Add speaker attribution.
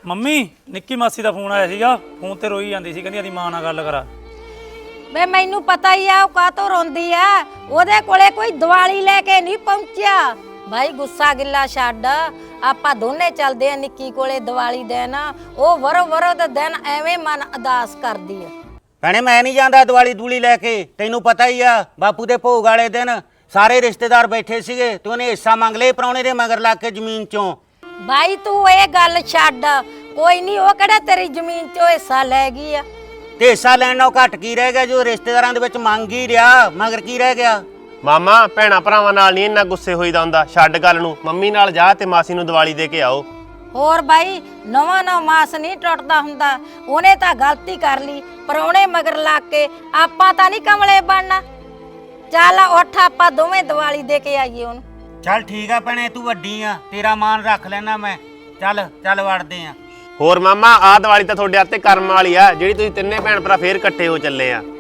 Speaker 1: Mummy ਨਿੱਕੀ ਮਾਸੀ ਦਾ phone ਆਇਆ ਸੀਗਾ। ਫੋਨ ਤੇ ਰੋਈ ਜਾਂਦੀ ਸੀ, ਕਹਿੰਦੀ ਆਦੀ ਮਾਂ ਨਾਲ ਗੱਲ ਕਰਾ।
Speaker 2: ਵੇ ਮੈਨੂੰ ਪਤਾ ਹੀ ਆ ਉਹ ਕਾਤੋਂ ਰੋਂਦੀ ਆ। ਉਹਦੇ ਕੋਲੇ ਕੋਈ ਦੀਵਾਲੀ ਲੈ ਕੇ ਨਹੀਂ ਪਹੁੰਚਿਆ। ਭਾਈ ਗੁੱਸਾ ਗਿੱਲਾ ਛੱਡ, ਆਪਾਂ ਦੋਨੇ ਚੱਲਦੇ ਆ ਨਿੱਕੀ ਕੋਲੇ ਦੀਵਾਲੀ ਦਿਨ। ਉਹ ਵਰੋ ਦਾ ਦਿਨ ਐਵੇਂ ਮਨ ਉਦਾਸ ਕਰਦੀ ਆ।
Speaker 3: ਭੈਣੇ ਮੈਂ ਨਹੀਂ ਜਾਂਦਾ ਦੀਵਾਲੀ ਦੂਲੀ ਲੈ ਕੇ, ਤੈਨੂੰ ਪਤਾ ਹੀ ਆ ਬਾਪੂ ਦੇ ਭੋਗ ਵਾਲੇ ਦਿਨ ਸਾਰੇ ਰਿਸ਼ਤੇਦਾਰ ਬੈਠੇ ਸੀਗੇ ਤੇ ਉਹਨੇ ਹਿੱਸਾ ਮੰਗ ਲਏ ਪ੍ਰਾਹੁਣੇ ਦੇ ਮਗਰ ਲੱਗ ਕੇ ਜ਼ਮੀਨ ਚੋਂ।
Speaker 2: ਭਾਈ ਤੂੰ ਇਹ ਗੱਲ ਛੱਡ, ਕੋਈ ਨਹੀਂ ਉਹ ਕਿਹੜਾ ਤੇਰੀ ਜ਼ਮੀਨ ਚੋਂ ਹਿੱਸਾ ਲੈ ਗਈ ਆ।
Speaker 3: ਤੇ ਹਿੱਸਾ ਲੈਣ ਨਾਲੋਂ ਘੱਟ ਕੀ ਰਹਿ ਗਿਆ, ਜੋ ਰਿਸ਼ਤੇਦਾਰਾਂ ਦੇ ਵਿੱਚ ਮੰਗ ਹੀ ਰਿਹਾ, ਮਗਰ ਕੀ ਰਹਿ ਗਿਆ।
Speaker 4: ਮਾਮਾ ਭੈਣਾ ਭਰਾਵਾਂ ਨਾਲ ਨਹੀਂ ਇੰਨਾ ਗੁੱਸੇ ਹੋਈਦਾ ਹੁੰਦਾ, ਛੱਡ ਗੱਲ ਨੂੰ। ਮੰਮੀ ਨਾਲ ਜਾ ਤੇ ਮਾਸੀ ਨੂੰ ਦੀਵਾਲੀ ਦੇ ਕੇ ਆਓ।
Speaker 2: ਹੋਰ ਬਾਈ ਨਵਾਂ ਮਾਸ ਨਹੀਂ ਟੁੱਟਦਾ ਹੁੰਦਾ। ਉਹਨੇ ਤਾਂ ਗਲਤੀ ਕਰ ਲਈ, ਪਰੌਣੇ ਮਗਰ ਲੱਗ ਕੇ। ਆਪਾਂ ਤਾਂ ਨਹੀਂ ਕਮਲੇ ਬਣਨਾ। ਚੱਲ ਉੱਠ ਆਪਾਂ ਦੋਵੇਂ ਦੀਵਾਲੀ ਦੇ ਕੇ ਆਈਏ ਉਹਨੂੰ।
Speaker 3: ਚੱਲ ਠੀਕ ਆ ਭੈਣੇ, ਤੂੰ ਵੱਡੀ ਆ, ਤੇਰਾ ਮਾਨ ਰੱਖ ਲੈਣਾ ਮੈਂ। ਚੱਲ ਵੜਦੇ ਆ।
Speaker 4: ਹੋਰ ਮਾਮਾ ਆਹ ਦੀਵਾਲੀ ਤਾਂ ਤੁਹਾਡੇ ਹੱਥੇ ਕਰਮ ਵਾਲੀ ਆ, ਜਿਹੜੀ ਤੁਸੀਂ ਤਿੰਨੇ ਭੈਣ ਭਰਾ ਫੇਰ ਇਕੱਠੇ ਹੋ ਚੱਲੇ ਆ।